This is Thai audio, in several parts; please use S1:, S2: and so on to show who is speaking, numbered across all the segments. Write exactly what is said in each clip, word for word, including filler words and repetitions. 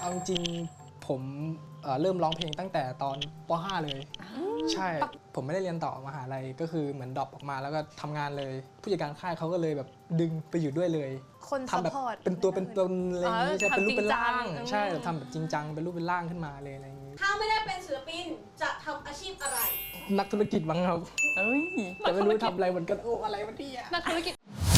S1: เอาจริงผมเอ่อเริ่มร้องเพลงตั้งแต่ตอนป .ห้า เลยใช่ผมไม่ได้เรียนต่อมหาลัยก็คือเหมือนดรอปออกมาแล้วก็ทำงานเลยผู้จัดการค่ายเขาก็เลยแบบดึงไปอยู่ด้วยเลย
S2: คน
S1: ทำแบบ
S2: support
S1: เป็นตัวเป็นตนอะไรอย่างนี้
S2: อ๋อ
S1: ใช่เป็นรูปเป็นร่าง
S2: ทำจริงจัง
S1: ใช่ทำแบบจริงจังเป็นรูปเป็นร่างขึ้นมาเลยอะไรอย่างนี้
S3: ถ้าไม่ได้เป็นศิลปินจะทำอาชีพอะไร
S1: นักธุรกิจบ้างครับ
S4: เอ้ย
S1: แต่ไม่รู้ทำอะไรเหมือนกันโอ้อะไรวะเนี่ย
S2: นักธุรกิจ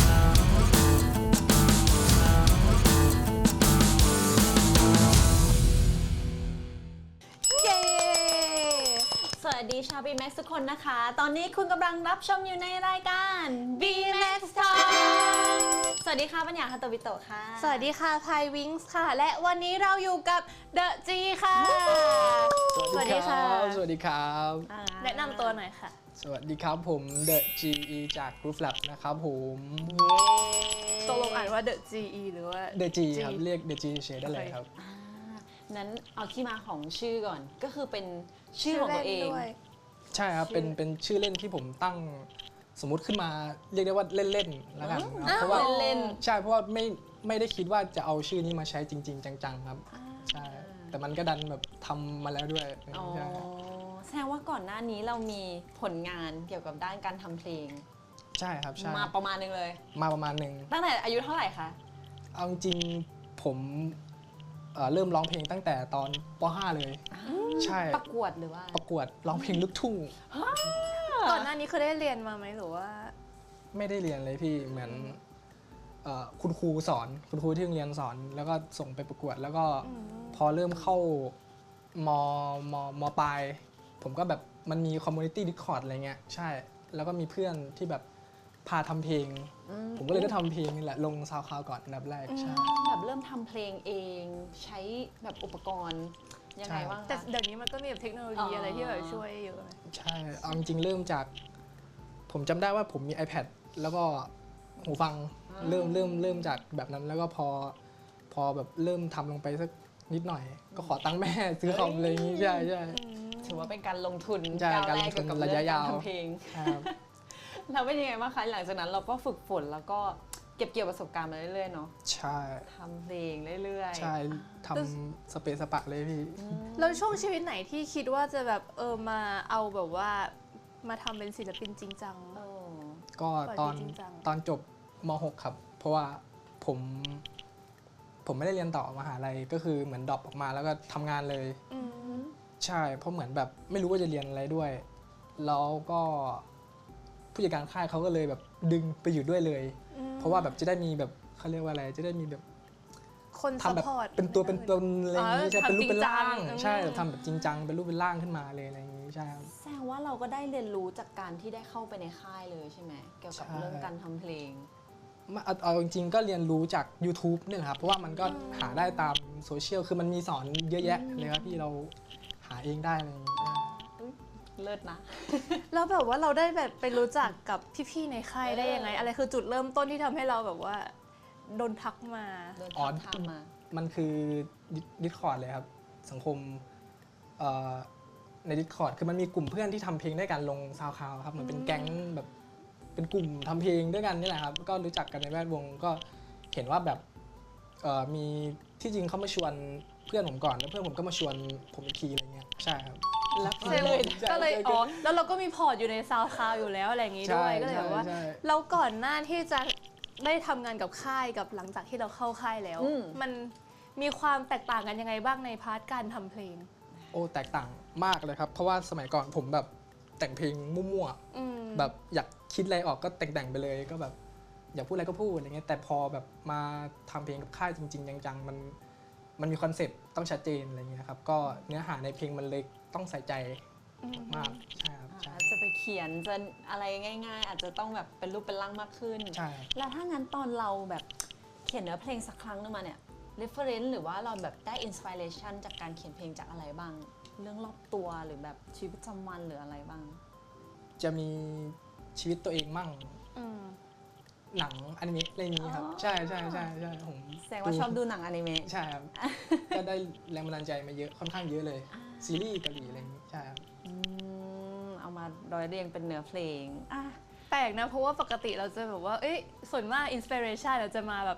S2: เย้
S4: สวัสดีชาว บี แม็กซ์ ทุกคนนะคะ ตอนนี้คุณกำลังรับชมอยู่ในรายการ
S2: บี แม็กซ์ Talk
S4: สวัสดีค่ะปัญญาคาโตบิโตะค่ะ
S2: สวัสดีค่ะพายวิงส์ค่ะ และวันนี้เราอยู่กับเดอะจีค่ะ
S1: สวัสดีครับสวัสดีครับ
S4: อ่า
S2: แนะนำตัวหน่อยค่ะ
S1: สวัสดีครับผม The จี อี จาก Groove Lab นะครับผม
S2: ตกลงอ่านว่า The จี อี หรือว่า
S1: The G ครับเรียก The G เฉยๆได้เลยครับ
S4: อ่านั้นเอาที่มาของชื่อก่อน ก็คือเป็นชื่อของตัวเอง
S2: ด้วย
S1: ใช่ครับ เป็น เป็นชื่อเล่นที่ผมตั้งสมมุติขึ้นมาเรียกได้ว่าเล่นๆแล้วกันนะเพราะว่า
S4: เล่น
S1: ใช่ เพราะว่าไม่ ไม่ได้คิดว่าจะเอาชื่อนี้มาใช้จริง ๆ จังๆครับ ใช่ แต่มันก็ดันแบบทำมาแล้วด้วย
S4: อ๋อ
S1: ใช่
S4: แสดงว่าก่อนหน้านี้เรามีผลงานเกี่ยวกับด้านการทำเพลง
S1: ใช่ครับ ใช่
S4: มาประมาณนึงเลย
S1: มาประมาณหนึ่ง
S4: ตั้งแต่อายุเท่าไหร่คะ
S1: เอาจริงๆผมเอ่อเริ่มร้องเพลงตั้งแต่ตอนป .ห้า เลย ใช่
S4: ประกวดหรือว่า
S1: ประกวดร้องเพลงลูกทุ่ง
S2: ก่อนหน้านี้คือได้เรียนมาไหมหรือว่า
S1: ไม่ได้เรียนเลยพี่เหมือนเอ่อคุณครูสอนคุณครูที่โรงเรียนสอน แล้วก็ส่งไปประกวด แล้วก็พอเริ่มเข้ามมมปลายผมก็แบบมันมีคอมมูนิตี้ดิสคอร์ดอะไรเงี้ยใช่ แล้วก็มีเพื่อนที่แบบพาทำเพลง ผมก็เลยได้ทำเพลงนี่แหละลงซาวคลาวก่อนอันดับแรกใช่
S4: แบบเริ่มทำเพลงเองใช้แบบอุปกรณ์ยังไงบ้าง
S2: แต่
S4: คะ
S2: เดี๋ยวนี้มันก็มีแบบเทคโนโลยี
S4: อ๋ออ
S2: อะไรที่แบบช่วยเยอะไหม
S1: ใช่เอาจริงๆเริ่มจาก ผมจำได้ว่าผมมี iPad แล้วก็หูฟังเริ่มเริ่มเริ่มจากแบบนั้นแล้วก็พอพอแบบเริ่มทำลงไปสักนิดหน่อย ก็ขอตังค์แม่ซื้อคอมอะไรอย่างงี้ใช่ใช่
S4: ถือว่าเป็นการลงทุน
S1: ใช่
S4: ก้ว
S1: การ
S4: แ
S1: ลงทุน
S4: เกี่วกับ
S1: ระยะ
S4: เรื่อง
S1: ยาว
S4: กทำเพลง
S1: ครับ
S4: แล้วเป็นยังไงบ้างคะหลังจากนั้นเราก็ฝึกฝนแล้วก็เก็บเกี่ยวประสบการณ์มาเรื่อยๆเนาะ
S1: ใช่
S4: ทำเพลงเรื่อยๆ
S1: ใช่ทำสเปซสปะเลยพี่
S2: แล้วช่วงชีวิตไหนที่คิดว่าจะแบบเออมาเอาแบบว่ามาทำเป็นศิลปินจริงจัง
S4: เออ
S1: ก็ตอน
S2: ปล่อยเพลงจริงจัง
S1: ตอนจบม .หก ครับ เพราะว่าผม ผมไม่ได้เรียนต่อมหาลัยก็คือเหมือนดรอปออกมาแล้วก็ทำงานเลย
S2: อืม
S1: ใช่เพราะเหมือนแบบไม่รู้ว่าจะเรียนอะไรด้วย แล้วก็ผู้จัดการค่ายเขาก็เลยแบบดึงไปอยู่ด้วยเลย เพราะว่าแบบจะได้มีแบบเขาเรียกว่าอะไรจะได้มีแบบ
S2: คน
S1: ทำแบบ
S2: support
S1: เป็นตัวเป็นตนอะไรอย่างนี้
S2: อ๋อ
S1: ใช่เป็นรูปเป็นร่าง
S2: ทำจริงจัง
S1: ใช่ทำแบบจริงจังเป็นรูปเป็นร่างขึ้นมาเลยอะไรอย่างนี้ใช่ครับ
S4: แสดงว่าเราก็ได้เรียนรู้จากการที่ได้เข้าไปในค่ายเลยใช่ไหมเกี่ยวกับ
S1: ใช่
S4: เรื่องการทำเพลง
S1: มาเอาเอาจริงๆก็เรียนรู้จาก YouTube เนี่ยแหละครับเพราะว่ามันก็หาได้ตามโซเชียลคือมันมีสอนเยอะแยะเลยครับที่เราหาเองได้อะไรอย่างนี้
S4: เลิศนะ
S2: แล้วแบบว่าเราได้แบบไปรู้จักกับพี่ๆในค่ายได้ยังไง อะไรคือจุดเริ่มต้นที่ทำให้เราแบบว่าโดนทักมา
S4: โดน
S1: อ๋อ
S4: ทับทามมา
S1: มันคือดิสคอร์ดเลยครับ สังคมเอ่อในดิสคอร์ดคือมันมีกลุ่มเพื่อนที่ทำเพลงด้วยกันลงซาวคลาวครับเหมือนเป็นแก๊งแบบเป็นกลุ่มทำเพลงด้วยกันนี่แหละครับก็รู้จักกันในแวดวงก็เห็นว่าแบบเอ่อมีที่จริงเขามาชวนเพื่อนผมก่อนแล้วเพื่อนผมก็มาชวนผมอีกทีอะไรเงี้ยใช่ครับ
S4: แล้วก็
S2: ใช่
S4: เลย
S2: ก็เลย
S1: ใช่
S2: อ๋อแล้วเราก็มีพอร์ตอยู่ในซาวคลาวอยู่แล้วอะไรอย่างงี้ด้วย
S1: ใช่
S2: ก็เลยแบบว่า
S1: ใช่ใช่
S2: แล้วก่อนหน้าที่จะได้ทำงานกับค่ายกับหลังจากที่เราเข้าค่ายแล้ว
S4: อืม
S2: มันมีความแตกต่างกันยังไงบ้างในพาร์ทการทำเพลง
S1: โอ้แตกต่างมากเลยครับ เพราะว่าสมัยก่อนผมแบบแต่งเพลงมั่ว
S2: อืม
S1: ๆแบบอยากคิดอะไรออกก็แต่งๆไปเลยก็แบบอยากพูดอะไรก็พูดอะไรเงี้ยแต่พอแบบมาทำเพลงกับค่ายจริงๆจังๆมันมันมีคอนเซ็ปต์ต้องชัดเจนอะไรเงี้ยครับก็เนื้อหาในเพลงมันเลยต้องใส่ใจมากๆใช่ครับใช่
S4: อาจจะไปเขียนจะอะไรง่าย ๆ อาจจะต้องแบบเป็นรูปเป็นร่างมากขึ้น
S1: ใช่ครับ
S4: แล้วถ้างั้นตอนเราแบบเขียนเนื้อเพลงสักครั้งนึงมาเนี่ย reference หรือว่าเราแบบได้ inspiration จากการเขียนเพลงจากอะไรบ้าง เรื่องรอบตัวหรือแบบชีวิตประจำวันหรืออะไรบ้าง
S1: จะมีชีวิตตัวเองมั่ง
S2: อืม
S1: หนังอนิเมะอะไรอย่างนี้ครับ
S4: อ๋อ
S1: ใช่ใช่ใช่ใช่ผม
S4: แสดงว่าชอบดูหนังอนิเมะ
S1: ใช่ครับ ก็ได้แรงบันดาลใจมาเยอะค่อนข้างเยอะเลย ซีรีส์เกาหลีอะไรอย่างนี้ใช่ครับ
S4: อืมเอามาร้อยเรียงเป็นเนื้อเพลงอ่ะ
S2: แปลกนะเพราะว่าปกติเราจะแบบว่าเอ้ยส่วนมากอินสปิเรชันเราจะมาแบบ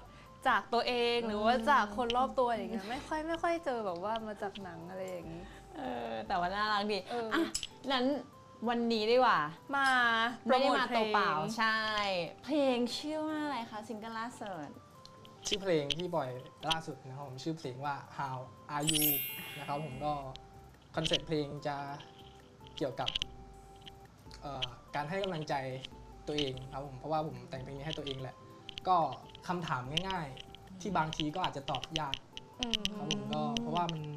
S2: จากตัวเองหรือว่าจากคนรอบตัวอย่างเงี้ยไม่ค่อยไม่ค่อยเจอแบบว่ามาจากหนังอะไรอย่างงี้
S4: เออแต่ว่าน่ารักดี
S2: เอออ่
S4: อ่ะนั้นวันนี้ดีกว่า
S2: มาโปร
S4: ไม่ได้
S2: โท
S4: มา
S2: พล
S4: ตัว
S2: ง
S4: เปล่าใช่ เพลงชื่อว่าอะไรคะซิงเกิลล่าสุด
S1: ชื่อเพลงที่ปล่อยล่าสุดนะครับผมชื่อเพลงว่า How Are You นะครับผมก็คอนเซ็ปต์เพลงจะเกี่ยวกับเอ่อการให้กำลังใจตัวเองครับผมเพราะว่าผมแต่งเพลงนี้ให้ตัวเองแหละ ก็คำถามง่ายๆ ที่บางทีก็อาจจะตอบยาก
S2: อืม
S1: ครับผมก็เพราะว่ามัน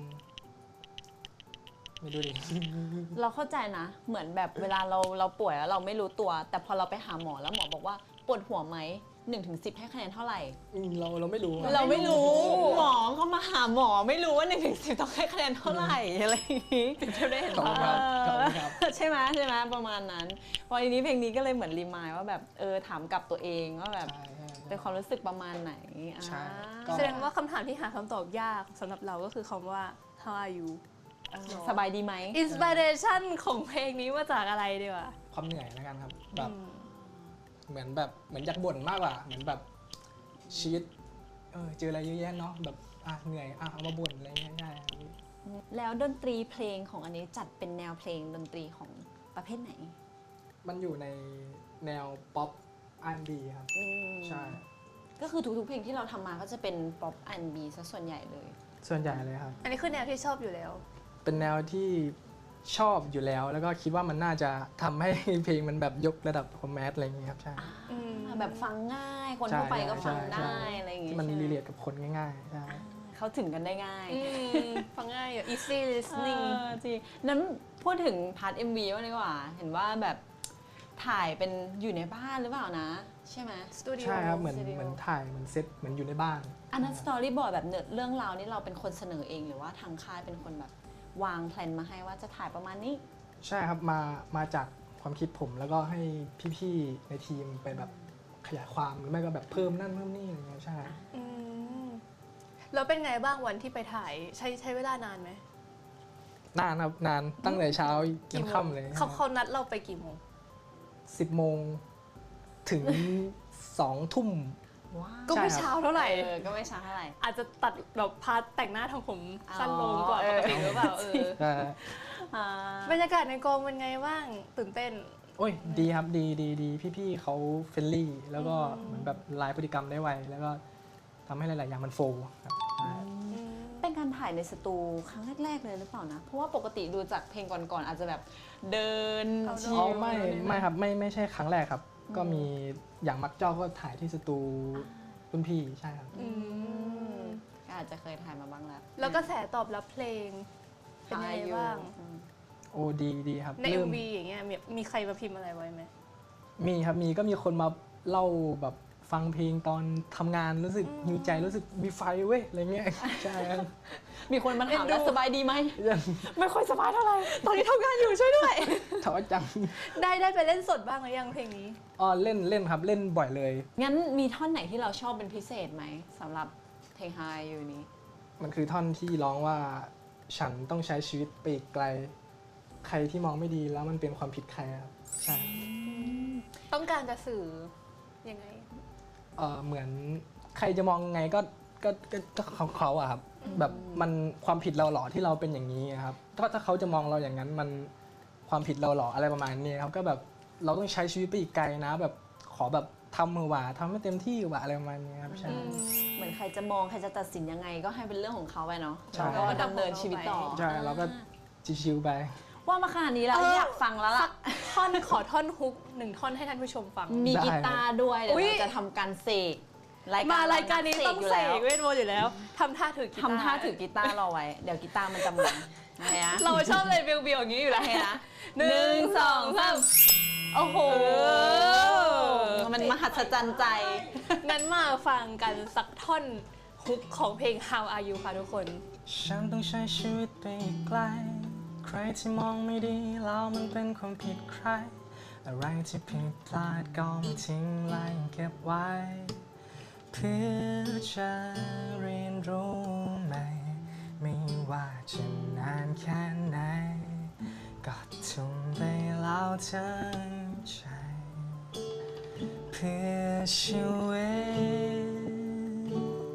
S1: ไม่ดูดิ
S4: เราเข้าใจนะ เหมือนแบบเวลาเราเราป่วยแล้วเราไม่รู้ตัว แต่พอเราไปหาหมอแล้วหมอบอกว่าปวดหัวไหมหนึ่งถึงสิบให้คะแนนเท่าไหร่
S1: อืมเราเราไม่รู้อะ
S4: เราไม่รู้หมอก็มาหาหมอไม่รู้ว่าหนึ่งถึงสิบต้องให้คะแนนเท่าไหร่อะไรอย่างนี้
S2: เที่ยวได้เห็น
S1: ขอบคุณครับขอบคุณครับ
S4: ใช่ไหมใช่ไหมประมาณนั้น พอทีนี้เพลงนี้ก็เลยเหมือนรีมายว่าแบบเออถามกับตัวเองว่าแบบ
S1: ใช่ใช่
S4: เป็นความรู้สึกประมาณไหนอ่า
S1: ใช่ก็
S2: แสดงว่าคำถามที่หาคำตอบยากสำหรับเราก็คือคำว่า how are you
S4: เออสบายดีไหม
S2: inspiration ของเพลงนี้มาจากอะไรดีวะ
S1: ความเหนื่อยแล้วกันครับแบบ
S2: อืม
S1: เหมือนแบบเหมือนอยากบ่นมากกว่าเหมือนแบบชีวิตเออเจออะไรเยอะแยะเนาะแบบอ่ะเหนื่อยอ่ะเอามาบ่นอะไรเงี้ยได้ครับ
S4: แล้วดนตรีเพลงของอันนี้จัดเป็นแนวเพลงดนตรีของประเภทไหน
S1: มันอยู่ในแนวป๊อป อาร์ แอนด์ บี ครับ
S4: อืม
S1: ใช่
S4: ก็คือทุกๆเพลงที่เราทำมาก็จะเป็นป๊อปอันบีซะส่วนใหญ่เลย
S1: ส่วนใหญ่เลยครับ
S2: อันนี้คือแนวที่ชอบอยู่แล้ว
S1: เป็นแนวที่ชอบอยู่แล้ว แล้วก็คิดว่ามันน่าจะทำให้ เพลงมันแบบยกระดับคอมแมสอะไรเงี้ยครับใช่
S2: อืม
S4: แบบฟังง่าย คน
S1: ใช่
S4: ทั่วไปก็ฟัง
S1: ใช่
S4: ได้
S1: ใช่
S4: อะไรอย่างเงี้
S1: ที่
S4: ย
S1: มัน
S4: ใช่ไห
S1: รีเลทกับคนง่ายๆใช่
S4: เขาถึงกันได้ง่าย
S2: อืมฟังง่ายอ่ะ easy listening
S4: เออจริงนั้นพูดถึงพาร์ท เอ็ม วี บ้างดีกว่า เห็นว่าแบบถ่ายเป็นอยู่ในบ้านหรือเปล่านะ ใช่ไหม
S2: สตูดิโอ
S1: ใช่ครับเหมือน
S4: สตูดิโอ
S1: เหมือนถ่ายเหมือนเซตเหมือนอยู่ในบ้าน
S4: อันนั้นสตอรี่บอร์ดแบบเนื้อเรื่องราวนี่เราเป็นคนเสนอเองหรือว่าทางค่ายเป็นคนแบบวางแผนมาให้ว่าจะถ่ายประมาณนี้
S1: ใช่ครับมามาจากความคิดผมแล้วก็ให้พี่ๆในทีมไปแบบขยายความหรือไม่ก็แบบเพิ่มนั่นเพิ่มนี่อะไรเงี้ยใช่
S2: อืมแล้วเป็นไงบ้างวันที่ไปถ่ายใช้ใช้เวลานานไหม
S1: นานครับนานตั้งแต่เช้ายันค่ำเลย
S2: เขาเขานัดเราไปกี่โมง
S1: สิบโมงถึงสองทุ่ม
S4: ว้าว
S2: ก็ไม่
S1: ใช่ครับ
S2: เช้าเท่าไหร่
S4: เออก็ไม่ช้าเท่าไหร่
S2: อาจจะตัดแบบพาร์ทแต่งหน้าทำผมสั้นลงกว่า
S4: อ๋อ
S2: ปกติหรือเปล่าเออ
S1: ใช่
S4: อ่า
S2: บรรยากาศในกองเป็นไงบ้างตื่นเต้น
S1: โอ้ยดีครับดีดีดีพี่ๆเขาเฟรนลี่แล้วก็เหมือนแบบลายพฤติกรรมได้ไวแล้วก็ทำให้หลาย ๆ อย่างมันโฟล์ครับใช่
S4: เป็นการถ่ายในสตูครั้งแรก ๆ เลยหรือเปล่านะ เพราะว่าปกติดูจากเพลงก่อน ๆ อาจจะแบบเดิน
S2: เอา
S4: ชิ
S1: อ๋อ
S4: ล
S1: ไม่ไม่ครับไม่ไม่ใช่ครั้งแรกครับ ก็มีอย่างมักเจ้าก็ถ่ายที่สตูรุ่นพี่ใช่ครับ
S2: อืม
S4: ก็อาจจะเคยถ่ายมาบ้างแล้ว
S2: แล้วก็แสตอบรับเพลง เป็นยังไงบ้าง
S4: อืม
S1: โอ้ดีดีครับ
S2: ใน
S1: เริ่ม
S2: เอ็ม วี อย่างเงี้ยมีมีใครมาพิมพ์อะไรไว้ไหม
S1: มีครับมีก็มีคนมาเล่าแบบฟังเพลงตอนทำงานรู้สึกหิวใจรู้สึกมีไฟเว้ยอะไรเงี้ย ใช่ครับ
S4: มีคนมาถามแล้วสบายดีไหม
S1: ยัง
S4: ไม่ค่อยสบายเท่าไหร่ ตอนนี้ทำงานอยู่ช่วยด้วย
S1: ท้อจัง
S2: ได้ได้ไปเล่นสดบ้างหรือยังเพลงนี้
S1: อ๋อเล่นเล่นครับเล่นบ่อยเลย
S4: งั้นมีท่อนไหนที่เราชอบเป็นพิเศษไหมสำหรับเพลง High อยู่นี้
S1: มันคือท่อนที่ร้องว่าฉันต้องใช้ชีวิตไปอีกไกล ใครที่มองไม่ดีแล้วมันเป็นความผิดใครครับใช่
S2: ต้องการจะสื่อยังไง
S1: เออเหมือนใครจะมองไงก็ก็ก็ก็เขาเขาอะครับแบบมันความผิดเราเหรอที่เราเป็นอย่างนี้อะครับถ้าถ้าเขาจะมองเราอย่างนั้นมันความผิดเราเหรออะไรประมาณนี้ครับก็แบบเราต้องใช้ชีวิตไปอีกไกลนะ แบบขอแบบทำมือหว่าทำให้เต็มที่หว่าอะไรประมาณนี้ครับใช่
S4: เหมือนใครจะมองใครจะตัดสินยังไงก็ให้เป็นเรื่องของเขาไปเนาะ
S1: ใช่
S4: แล้วก็ดำเนินชีวิตต่อ
S1: ใช่เราก็ชิวๆไป
S4: ว่ามาขนาดนี้แล้ว
S2: เออ
S4: อ
S2: อ
S4: ยากฟังแล้วล่ะ
S2: ท่อนขอท่อนฮุกหนึ่งท่อนให้ท่านผู้ชมฟัง
S4: มี
S1: ได้
S4: กีตาร์ด้วยเดี๋ยว
S2: อุ๊ย
S4: เราจะทำการเสก
S2: มารายการนี้ต้องเสก
S4: อยู่
S2: เว
S4: แล้ว
S2: ทมนต์อยู่แล้วทำท่าถือกีตาร์
S4: ทำท่าถือกีตาร์รอไว้ เดี๋ยวกีตาร์มันจะมาอะไรนะ
S2: เราชอบเลยเบียวๆอย่างนี้อยู่แล้ว
S4: โอเคนะ
S2: หนึ่งสองสาม
S4: โอ้โห
S2: อ
S4: มันมหัศจรรย์ใจ
S2: งั้นมาฟังกันสักท่อนฮุกของเพลง How Are You ค่ะทุกคน
S1: ฉันต้องใช้ชีวิตไปอีกไกล ใครที่มองไม่ดีแล้วมันเป็นความผิดใคร อะไรที่ผิดพลาดก็ไม่ทิ้งไล่เก็บไว้ เพื่อจะเรียนรู้ใหม่ไม่ว่าจะนานแค่ไหน ก็ทุ่มไปแล้วทั้งใจ เพื่อชีวิต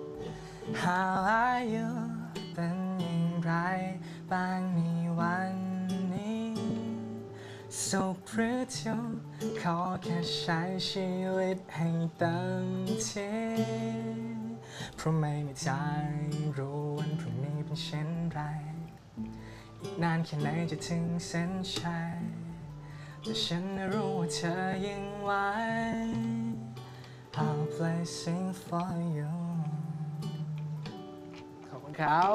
S1: How are you เป็นอย่างไรบ้างในวันนี้สุขหรือทุกข์ขอแค่ใช้ชีวิตให้เต็มที่เพราะไม่มีทางรู้วันพรุ่งนี้เป็นเช่นไรอีกนานแค่ไหนจะถึงเส้นชัยแต่ฉันรู้ว่าเธอยังไหว I'll play sing for you ขอบคุณครับ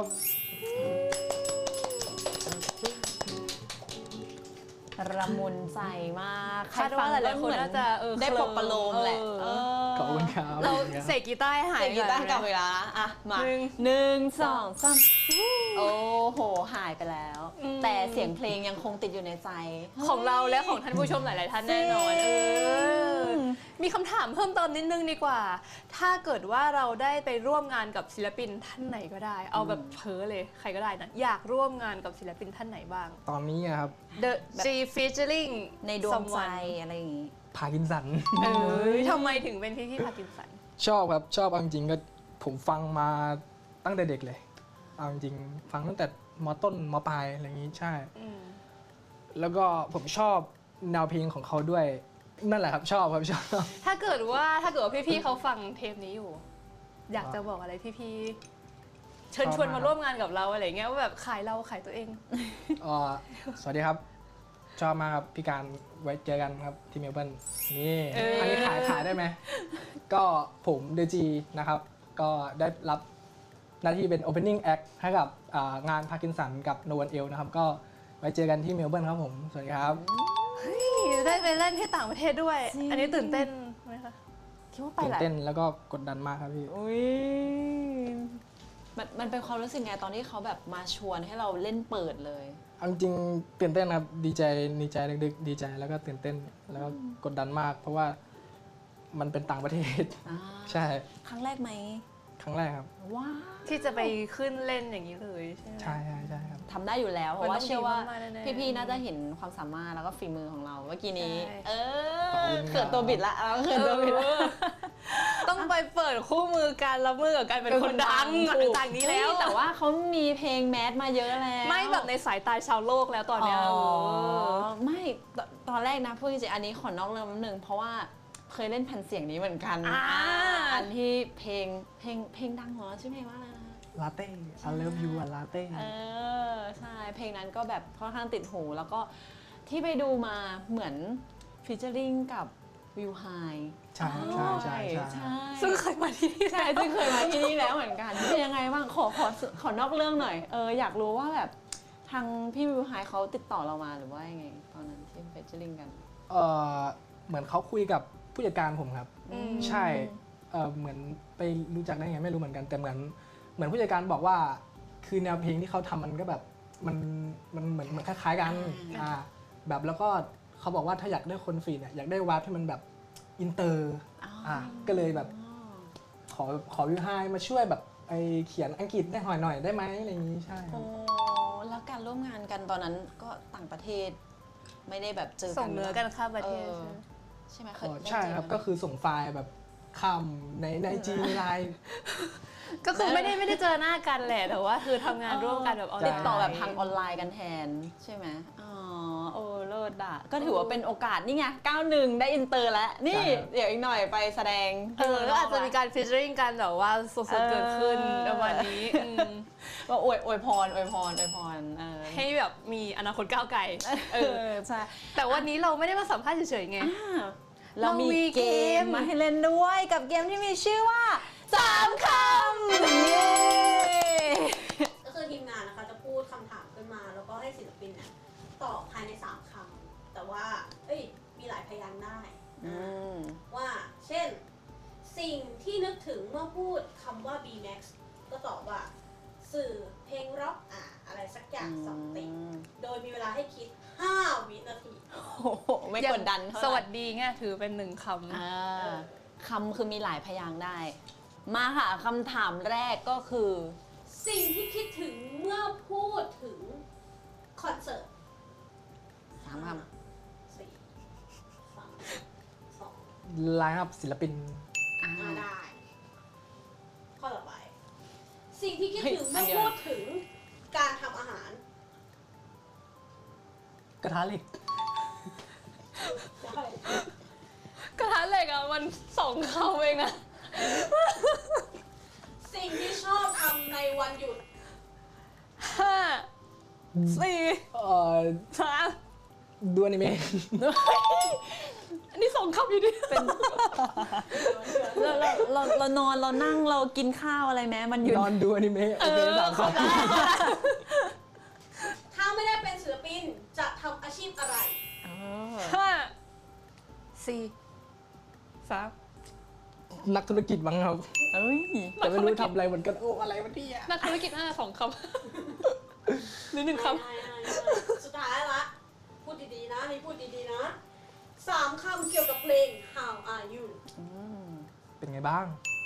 S4: ระมุนใจมาก
S2: คาดว่าหลายๆคนน่าจะเออ
S4: ได้ปลอบประโลมแหละ
S2: เออ
S4: เออ
S1: ขอบคุณครับ
S2: เรา
S1: ขอบคุณครับ
S2: เสกกีตาร์ให้หาย
S4: เสียงกีตาร์
S2: อน
S4: กลับเวลาอ่ะ มา
S2: หนึ่ง
S4: หนึ่งสองสามโอ้โห หายไปแล้ว แต่เสียงเพลงยังคงติดอยู่ในใจ
S2: ของเราและของท่านผู้ชมหลาย ๆ ท่านแน่นอน
S4: จริง
S2: เออมีคำถามเพิ่มเติมนิดนึงดีกว่า ถ้าเกิดว่าเราได้ไปร่วมงานกับศิลปินท่านไหนก็ได้ เอาแบบเพ้อเลยใครก็ได้นะอยากร่วมงานกับศิลปินท่านไหนบ้าง
S1: ตอนนี้อะครับ
S2: The G featuring
S4: ในดวงใจ
S2: someone
S4: อะไรอย่างงี้
S1: พากินสัน
S2: เออทำไมถึงเป็นพี่พี่พากินสัน
S1: ชอบครับ ชอบเอาจริงๆก็ผมฟังมาตั้งแต่เด็กเลย เอาจริงๆฟังตั้งแต่มต้นมปลายอะไรอย่างนี้ใช่
S2: อืม
S1: แล้วก็ผมชอบแนวเพลงของเขาด้วย นั่นแหละครับชอบครับชอบ
S2: ถ้าเกิดว่าถ้าเกิดว่าพี่ๆเขาฟังเทปนี้อยู่ อยากจะบอกอะไรพี่ๆเชิญชวนมาร่วมงานกับเราอะไรเงี้ยว่าแบบขายเราขายตัวเอง
S1: เอ่อสวัสดีครับ ชอบมากครับพี่การไว้เจอกันครับที่เมลเบิร์นนี่
S2: เอออั
S1: อันนี้ขายขายได้ไหม ก็ผมเดจีนะครับ ก็ได้รับหน้าที่เป็น Opening Act ให้กับอ่างานพาร์กินสันกับ No One Else นะครับ ก็ไว้เจอกันที่เมลเบิร์นครับผม สวัสดีครับ
S2: ได้ไปเล่นที่ต่างประเทศด้วย
S4: จริง
S2: อันนี้ตื่นเต้นไหมคะ
S4: คิดว่าไป
S1: ตื่น
S4: แหละ
S1: เต้นแล้วก็กดดันมากครับพี่
S4: อุ้ยมันมันเป็นความรู้สึกไงตอนที่เขาแบบมาชวนให้เราเล่นเปิดเลย
S1: เอาจริงๆตื่นเต้นครับดีใจดีใจดึกๆดีใจแล้วก็ตื่นเต้นแล้วก็กดดันมาก เพราะว่ามันเป็นต่างประเทศ
S4: อ่า
S1: ใช่
S4: ครั้งแรกไหม
S1: ครั้งแรกครับ
S4: ว้าว
S2: ที่จะไปขึ้นเล่นอย่างนี้เลยใช่ไหม
S1: ใช่ใช่ใช่ครับ
S4: ทำได้อยู่แล้ว เพ
S2: มัน
S4: ราะ
S2: ต้
S4: ว่า
S2: อง
S4: เชื่อว่า
S2: ดีมากๆแน่ๆ
S4: พี่ๆน่าจะเห็นความสามารถแล้วก็ฝีมือของเราเมื่อกี้นี้
S2: ใช่
S4: เอ
S1: ขอบ
S4: อ
S1: คุณครับ
S4: เขินตัวบิดละเอาเขินตัวบิดละ
S2: เออต้องไปเปิดคู่มือการรับมือกับการเป็นคนดังหลังจากนี้แล้ว
S4: เฮ้ยแต่ว่าเขามีเพลงแมสมาเยอะแล้ว
S2: ไม่แบบในสายตาชาวโลกแล้วตอน
S4: อ๋
S2: เนี้ย
S4: อ
S2: เออ
S4: ไม่ตตอนแรกนะพูดจริงๆอันนี้ขอนอกเรื่องนิดนึงเพราะว่าเคยเล่นแผ่นเสียงนี้เหมือนกัน
S2: อ่า
S4: อันที่เพลงเพลงเพลงดังของเราชื่อเพลงว่าอะไรนะ
S1: ลาเต้ I love you อะลาเต้
S4: เออใช่เพลงนั้นก็แบบค่อนข้างติดหู แล้วก็ที่ไปดูมาเหมือนฟีเจอริงกับวิวไฮ
S1: ใช่ใช่ใช่ใช่
S4: ใช่
S2: ซึ่งเคยมาที่นี่
S4: ใช่ซึ่งเคยมาที่นี่แล้วเหมือนกันเป็นยังไงบ้างขอขอขอนอกเรื่องหน่อยเอออยากรู้ว่าแบบทางพี่วิวไฮเขาติดต่อเรามาหรือว่ายังไงตอนนั้นที่ฟีเจอริงกัน
S1: เออเหมือนเขาคุยกับผู้จัดการผมครับ
S2: อืม
S1: ใช่เออเหมือนไปรู้จักได้ไงไม่รู้เหมือนกันแต่เหมือนเหมือนผู้จัดการบอกว่า คือแนวเพลงที่เขาทำมันก็แบบมันมันเหมือนเหมือนคล้ายๆกันอ่าแบบแล้วก็เขาบอกว่าถ้าอยากได้คนฟีดเนี่ยอยากได้วาร์ปที่มันแบบอินเตอร์อ่าก็เลยแบบขอขอวิวไฮมาช่วยแบบไอเขียนอังกฤษได้หน่อยหน่อยได้ไหมอะไรอย่างนี้ใช่ครั
S4: โอ้
S1: บ
S4: แล้วการร่วมงานกันตอนนั้นก็ต่างประเทศ ไม่ได้แบบเจอกัน
S2: ส่งเนื้อกันข้ามประเทศ
S4: ออ
S2: ใช่ไหม
S4: ใช่ไหมเคย
S1: อ๋อ
S4: ได้
S1: ใช่
S4: เจอ
S1: ครับ
S4: กัน
S1: ก็คือส่งไฟล์แบบข้ามในในจีในไลน์
S2: ก็คือไม่ได้ไม่ได้เจอหน้ากันแหละแต่ว่าคือทำงานร่วมกันแบบออนไล
S4: ติด
S2: น์
S4: ต่อแบบทางออนไลน์กันแทนใช่ไหมอ๋อโอ้เลิศอ่ะก็ถือว่าเป็นโอกาสนี่ไงเก้าหนึ่งได้อินเตอร์แล้ว นี่
S1: ใช่ครับ
S4: เดี๋ยวอีกหน่อยไปแสดง
S2: เออก็อาจจะมีการฟีเจอริงกันแบบว่าสดๆเกิดขึ้นประมาณนี้อืม
S4: ก็อวยอวยพรอวยพรอวยพรเออ
S2: ให้แบบมีอนาคตก้าวไกล
S4: เออใช่
S2: แต่วันนี้เราไม่ได้มาสัมภาษณ์เฉยๆไง
S4: เรามี
S2: เรามี
S4: เก
S2: เก
S4: ม
S2: ม
S4: มาให้เล่นด้วยกับเกมที่มีชื่อว่าสามคำเย้
S3: ก็คือทีมงานนะคะจะพูดคำถามขึ้นมา แล้วก็ให้ศิลปินเนี่ยตอบภายในสามคำแต่ว่าเอ้ยมีหลายพยางค์ได้
S4: อืม
S3: ว่าเช่น สิ่งที่นึกถึงเมื่อพูดคำว่า B Max ก็ตอบว่าสื่อเพลงร็อกอ่ะอะไรสักอย่างสองติงโดยมีเวลาให้คิดห้าวินาที
S4: โอ้โหไม่กดดันเท่าไห
S2: ส
S4: ร่
S2: วัสดีไงถือเป็นหนึ่งคำ
S4: อ่าคำคือมีหลายพยางค์ได้ มาค่ะคำถามแรกก็คือ
S3: สิ่งที่คิดถึงเมื่อพูดถึงคอนเสิร์ต
S4: สามค
S3: สี่สามสอง
S1: ไลน์อัพศิลปิน
S4: ำอ่า
S3: มาได้ ข้อต่อไปที่คิดถึง
S4: เฮ้
S3: เมื่
S4: ย
S3: อ
S4: อันเดียว
S3: พูดถึงการทำอาหาร
S1: กระทะเหล็ก
S3: ได้
S2: กระทะเหล็กอะมันสองคำเองนะ
S3: สิ่งที่ชอบทำในวันหยุด
S2: ห้าสี่
S1: เอ่อ
S2: สาม
S1: ดูอนิเมะ
S2: อันนี้สองคำอยู่ดิ
S4: เป็นเราเราเราเรานอนเรานั่งเรากินข้าวอะไรไหมมันอยู่
S1: นอนดูอนิเมะโอเคสามคำ
S3: ถ้าไม่ได้เป็นศิลปินจะทำอาชีพอะไร
S4: เออ
S2: ห้าสี่สาม
S1: นักธุรกิจบ้างครับ
S4: เอ้ย
S1: แต่ไม่รู้ทำอะไรเหมือนกัน โอ้อะไรวะเนี่ย
S2: นักธุรกิจห้าสองคำหรือหนึ่งค
S3: ง่ายๆๆสุดท้ายละ พูดดีๆนะนี่พูดดีๆนะสามคำเกี่ยวกับเพลง How are you
S4: อืม
S1: เป็นไงบ้าง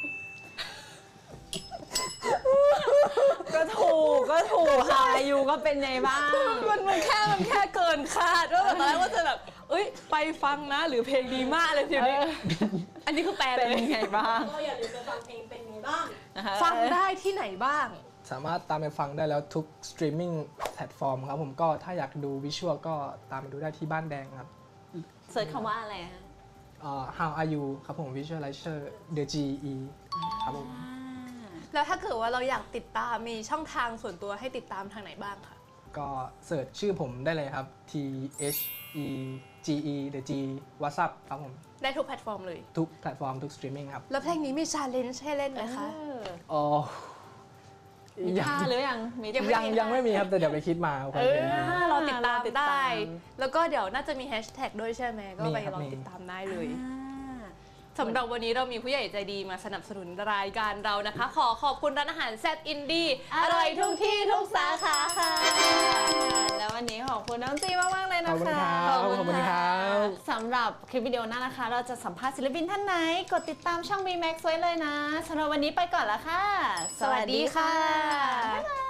S4: ก็ถูกก็ถูกค่ะอยู่ก็เป็นไงบ้าง
S2: ำมันมันแค่มันแค่เกินคาดว่าแบบตอนแรกว่าจะแบบ เอ้ยไปฟังนะหรือเพลงดีมากเลยทีนี้ อันนี้คือแปล
S4: เป็น
S2: เลย
S4: ไงบ้าง
S3: ก็อย่าลืมไปฟังเพลงเป็นไงบ้าง
S4: นะคะ
S2: ฟังได้ที่ไหนบ้าง
S1: สามารถตามไปฟังได้แล้วทุกสตรีมมิ่งแพลตฟอร์มครับผมก็ถ้าอยากดูวิชวลก็ตามไปดูได้ที่บ้านแดงครับ
S4: เสิร์ชคำว่าอะไรฮะ
S1: เอ่อ How are you ครับผม Visualizer The จี อี ครับผม
S4: อ่า
S2: แล้วถ้าเกิดว่าเราอยากติดตามมีช่องทางส่วนตัวให้ติดตามทางไหนบ้างคะ
S1: ก็เสิร์ชชื่อผมได้เลยครับ T H E G E The G WhatsApp ครับผม
S2: ได้ทุกแพลตฟอร์มเลย
S1: ทุกแพลตฟอร์มทุกสตรีมมิ่งครับ
S2: แล้วเพลงนี้มีชาเลนจ์ให้เล่นไหมคะ
S4: เออ
S1: อ๋อ
S4: มี
S1: ยัง
S4: ท่าหรือยังมี
S2: ยังไม่
S1: ยังยังไม่มีครับ แต่เดี๋ยวไปคิดมาคอน
S2: เอ
S1: เท
S2: อน
S1: ต์นี้
S2: เราติดตาม
S4: เราติดตาม
S2: ได้ แล้วก็เดี๋ยวน่าจะมีแฮชแท็กด้วยใช่ไหมก็ไป
S1: มีครับ
S2: ลอง
S1: มี
S2: ติดตามได้เลย
S4: อ่า
S2: สำหรับวันนี้เรามีผู้ใหญ่ใจดีมาสนับสนุนรายการเรานะคะ ขอขอบคุณร้านอาหารแซดอินดี้อร่อยทุกที่ทุกสาขาค่ะ
S4: แล้ววันนี้ขอบคุณน้องจีมากๆเลย
S1: ข
S4: นะ
S1: อบคุณ
S4: คะ
S1: ครับขอบคุณครับ
S4: สำหรับคลิปวิดีโอหน้านะคะ เราจะสัมภาษณ์ศิลปินท่านไหน กดติดตามช่อง B Max ไว้เลยนะสำหรับวันนี้ไปก่อนละค่ะ
S2: สวัสดีค่ะ
S4: บ๊ายบาย